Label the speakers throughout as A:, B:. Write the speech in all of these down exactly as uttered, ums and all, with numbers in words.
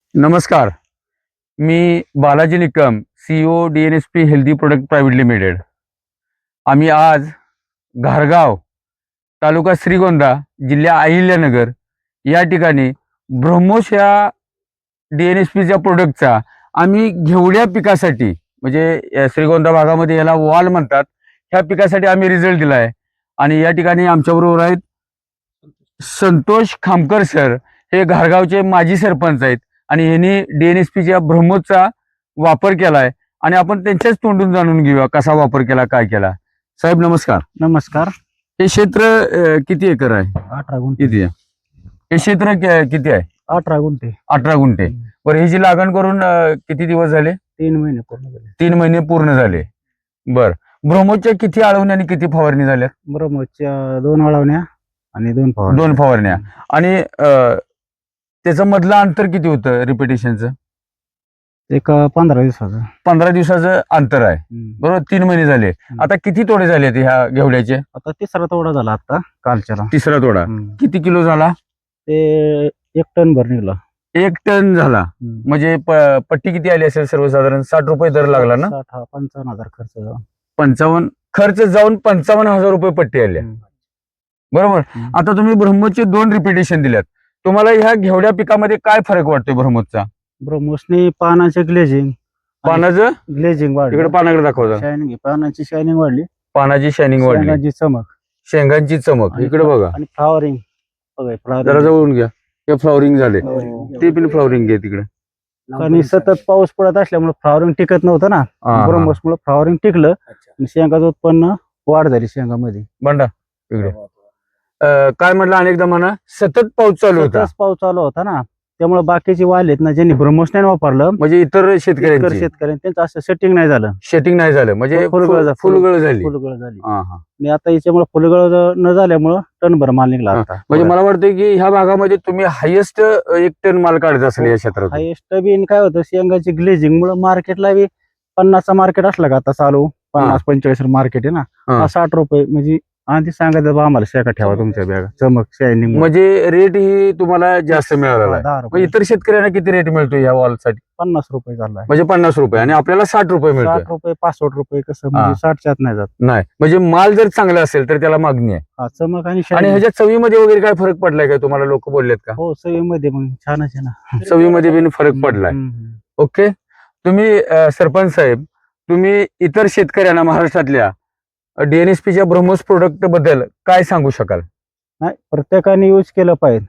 A: नमस्कार. मी Balaji Nikam, CEO D N S P healthy product private limited. आम्ही आज घारगाव, तालुका श्रीगोंदा, जिल्हा अहिल्यानगर या ठिकाणी ब्रह्मोस या डी एन एस पीच्या प्रोडक्टचा आम्ही घेवड्या पिकासाठी म्हणजे या श्रीगोंदा भागामध्ये याला वाल म्हणतात, ह्या पिकासाठी आम्ही रिझल्ट दिला आहे. आणि या ठिकाणी आमच्याबरोबर आहेत संतोष खामकर सर, हे घारगावचे माजी सरपंच आहेत आणि यांनी डी एन एस पीच्या ब्रह्मोसचा वापर केलाय आणि आपण त्यांच्याच तोंडून जाणून घेऊया कसा वापर केला, काय केला. साहेब नमस्कार.
B: नमस्कार.
A: हे क्षेत्र अ, किती एकर आहे?
B: अठरा गुंठे.
A: किती आहे हे क्षेत्र? कि- किती आहे?
B: अठरा गुंठे.
A: अठरा गुंठे. बरं, ह्याची लागण करून अ, किती दिवस झाले?
B: तीन महिने पूर्ण झाले.
A: तीन महिने पूर्ण झाले. बर, ब्रह्मोसच्या किती आळवण्या आणि किती फवारणी झाल्या?
B: ब्रह्मोसच्या दोन अळवण्या आणि दोन फवारण्या.
A: दोन फवारण्या. आणि अ, त्याचं मधलं अंतर किती होतं रिपिटेशनचं?
B: एक अं, पंधरा दिवसाचं.
A: पंधरा दिवसाचं अंतर आहे.
B: हम्म.
A: बरोबर, तीन महिने झाले. आता किती तोडे झाले ते ह्या घेवड्याचे?
B: आता तिसरा तोडा झाला आता कालच्याला.
A: तिसरा तोडा.
B: हम्म.
A: किती किलो झाला?
B: ते एक टन भर निघला.
A: एक टन झाला.
B: हम्म.
A: म्हणजे प- पट्टी किती आली असेल? सर्वसाधारण साठ रुपये दर लागला ना?
B: साठ हा पंचावन्न हजार खर्च जाऊन.
A: पंचावन्न खर्च जाऊन पंचावन्न हजार रुपये पट्टी आल्या.
B: हम्म.
A: बरोबर.
B: हम्म.
A: आता तुम्ही ब्रह्मोसचे दोन रिपिटेशन दिल्यात. तुम्हाला ह्या घेवड्या पिकामध्ये काय फरक वाटतोय ब्रह्मोसचा?
B: ब्रह्मोसने पानाचे ग्लेजिंग
A: पानाचं
B: ग्लेजिंग वाढली.
A: इकडे पानाकडे दाखवता.
B: शायनिंग पानाची शायनिंग वाढली.
A: पानाची शायनिंग वाढली,
B: शेंगाची चमक
A: शेंगांची चमक.
B: आणि
A: इकडे बघा,
B: आणि फ्लॉवरिंग बघा
A: जरा
B: फ्लॉवरिंग.
A: जवळून घ्या. हे फ्लॉवरिंग झाले,
B: हो.
A: ते पण फ्लॉवरिंग घे तिकडे.
B: आणि सतत पाऊस पडत असल्यामुळे फ्लॉवरिंग टिकत नव्हतं ना.
A: हा, हा.
B: ब्रह्मोसमुळे फ्लॉवरिंग टिकलं आणि शेंगाचं उत्पन्न वाढ झाली शेंगामध्ये.
A: बंडा इकडे. अं, काय म्हटलं अनेकदा म्हणा, सतत पाऊस चालू होता.
B: सतत पाऊस चालू होता ना, त्यामुळे बाकीचे वाल आहेत ना, ज्यांनी ब्रह्मोस नाही वापरलं
A: म्हणजे इतर
B: इतर
A: शेतकऱ्यांची
B: शेतकऱ्यांनी त्यांचं असं सेटिंग नाही झालं.
A: शेटिंग नाही झालं, म्हणजे
B: फुलगळ झा-
A: फुलगळ झाली.
B: फुलगळ झाली.
A: हा, हा.
B: आणि आता याच्यामुळे फुलगळ ज- न झाल्यामुळं टनभर माल निघला
A: हा.
B: आता.
A: म्हणजे मला वाटतं की ह्या भागामध्ये तुम्ही हायेस्ट एक टन माल काढत असेल या क्षेत्रात.
B: हायेस्ट बी काय होतं, शेंगाची ग्लेजिंग मुळे मार्केटला बी पन्नासचा मार्केट असला का आता चालू पन्नास पंचेचाळीस मार्केट आहे ना,
A: हा.
B: हा साठ रुपये म्हणजे आधी सांगायचं बा आम्हाला शेका ठेवा तुमच्या बॅगा चमक शायनिंग.
A: म्हणजे रेट ही तुम्हाला जास्त मिळालेला आहे.
B: दहा
A: मग
B: रुपये
A: इतर शेतकऱ्यांना किती रेट मिळतो या वॉल साठी?
B: पन्नास रुपये झाला.
A: म्हणजे पन्नास रुपये आणि आपल्याला साठ रुपये मिळतो.
B: साठ रुपये पासष्ट रुपये कसं
A: हा.
B: म्हणजे साठच्यात नाही जात.
A: नाही, म्हणजे माल जर चांगला असेल तर त्याला मागणी आहे.
B: हा चमक आणि
A: आणि
B: शायनिंग.
A: ह्याच्या चवीमध्ये वगैरे काय फरक पडलाय का तुम्हाला? लोक बोललेत का
B: हो सवयीमध्ये मग छानच आहे ना.
A: चवीमध्ये पण फरक पडलाय?
B: हम्म.
A: ओके. तुम्ही अ, सरपंच साहेब, तुम्ही इतर शेतकऱ्यांना महाराष्ट्रातल्या डी एन एस पीच्या ब्रह्मोस प्रोडक्ट बद्दल काय सांगू शकाल?
B: नाही, प्रत्येकाने यूज केलं पाहिजे.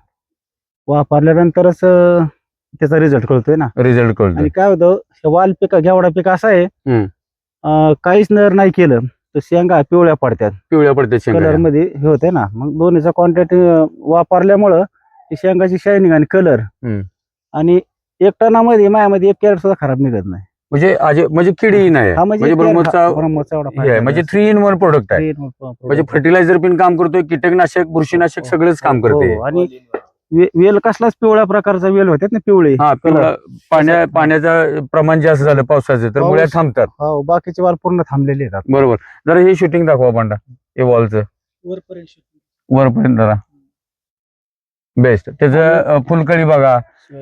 B: वापरल्यानंतरच अं, त्याचा रिझल्ट कळतोय ना.
A: रिझल्ट कळतो.
B: आणि काय होतं, हे वाल पिका घेवडा पिका असा आहे,
A: हम्म.
B: अं, काहीच नर नाही केलं तर शेंगा पिवळ्या पडतात,
A: पिवळ्या पडते
B: कलर
A: शेंगा.
B: मध्ये हे होते ना. मग दोन्हीचा कॉन्टॅक्ट वापरल्यामुळं ती शेंगाची शायनिंग आणि कलर
A: हम्म.
B: आणि एक टनामध्ये मायामध्ये एक कॅरेट सुद्धा खराब निघत नाही.
A: म्हणजे आज- म्हणजे किडी नाही
B: हा
A: म्हणजे
B: एक carrot-
A: ब्रह्मोसचा
B: हा, ब्रह्मोसचा एवढा
A: हे आहे, म्हणजे थ्री इन वन प्रोडक्ट आहे. म्हणजे फर्टिलायझर पण काम करतोय, कीटकनाशक, बुरशीनाशक सगळंच काम करते.
B: हो, आणि वे- वेल कसलाच पिवळ्या प्रकारचा वेल होतात ना, पिवळे
A: हा, पिवळा पाण्या पाण्याचं प्रमाण जास्त झालं पावसाचं तर
B: पाऊस-
A: मुळ्या थांबतात.
B: हो, बाकीचे वाल पूर्ण थांबलेले आहेत.
A: बरोबर. जरा हे शूटिंग दाखवा पांडा, हे वॉलचं वरपर्यंत जरा बेस्ट. त्याचं फुलकळी बघा,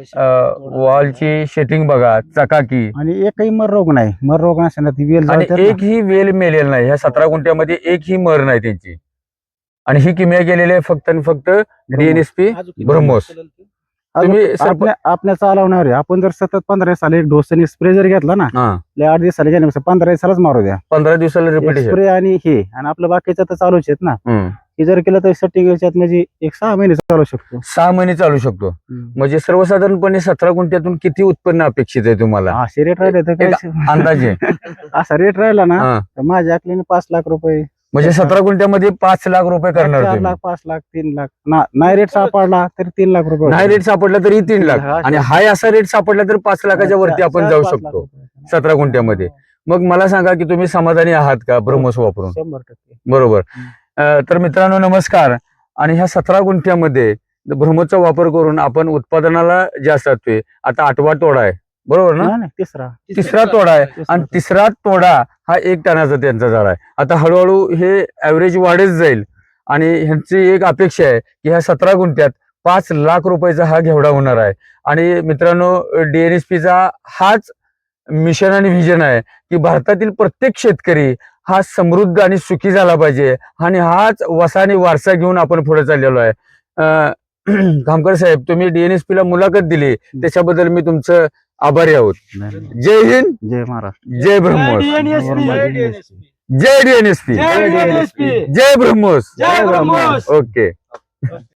A: वॉलची शेटिंग बघा, चकाकी.
B: आणि एकही मर रोग नाही. मर रोग नसताना ती वेल
A: आणि
B: जळते ना.
A: एक ही वेल मेलेल नाही. ह्या सतरा गुंठ्यामध्ये एक ही मर नाही त्यांची. आणि ही किमया गेलेली आहे फक्त आणि फक्त डीएनएसपी ब्रह्मोस. तुम्ही
B: अजून
A: सरप-
B: आपल्या आपल्या चालवणार आहे. आपण जर सतत पंधरा साली एक डोसनी स्प्रे जर घेतला ना,
A: हा,
B: लय आठ दिवसाला घेण्यापेक्षा पंधरा दिवसालाच मारू द्या
A: पंधरा दिवसाला रिपिटेशन.
B: स्प्रे. आणि हे आणि आपलं बाकीचं तर चालूच आहेत ना. हे जर केलं तर सेटिंग याच्यात म्हणजे एक सहा महिने चालू शकतो.
A: सहा महिने चालू शकतो. म्हणजे सर्वसाधारणपणे सतरा गुंठ्यातून किती उत्पन्न अपेक्षित आहे तुम्हाला
B: असे रेट राहिले तर
A: एक
B: काय
A: अंदाजे?
B: असा रेट राहिला ना
A: हा.
B: तर माझ्या अकलीने पाच लाख रुपये,
A: म्हणजे सतरा गुंठ्यामध्ये पाच लाख रुपये करणार
B: चार
A: तुम्ही.
B: लाख पाच लाख तीन लाख ना- नाही रेट सापडला तर तीन लाख रुपये
A: नाही रेट सापडला तरी तीन लाख,
B: हा,
A: आणि हाय असा रेट सापडला तर पाच लाखाच्या वरती आपण जाऊ शकतो सतरा गुंठ्यामध्ये. मग मला सांगा की तुम्ही समाधानी आहात का ब्रह्मोस वापरून?
B: शंभर टक्के.
A: बरोबर. अं, तर मित्रांनो नमस्कार. आणि ह्या सतरा गुंठ्यामध्ये ब्रह्मोसचा वापर करून आपण उत्पादनाला जास्त असतोय. आता आठवा तोडा आहे, बरोबर ना?
B: नाही, नाही, तिसरा
A: तिसरा तोडा आहे.
B: तिसरा
A: आणि
B: तोडा.
A: तिसरा तोडा हा एक टनाचा त्यांचा झाला आहे. आता हळूहळू हे ऍव्हरेज वाढत जाईल आणि ह्यांची एक अपेक्षा आहे की ह्या सतरा गुंठ्यात पाच लाख रुपयाचा हा घेवडा होणार आहे. आणि मित्रांनो, डीएनएसपीचा हाच मिशन आणि व्हिजन आहे की भारतातील प्रत्येक शेतकरी हा समृद्ध आणि सुखी झाला पाहिजे. आणि हाच वसा आणि वारसा घेऊन आपण पुढे चाललेलो आहे. अं, खामकर साहेब, तुम्ही डीएनएसपी ला मुलाखत दिली त्याच्याबद्दल मी तुमचं आभारी आहोत. जय हिंद,
B: जय महाराष्ट्र.
A: जय ब्रह्मोस,
B: जय
A: जय डीएनएसपी,
B: डीएनएसपी.
A: जय ब्रह्मोस.
B: जय ब्रह्मोस.
A: ओके.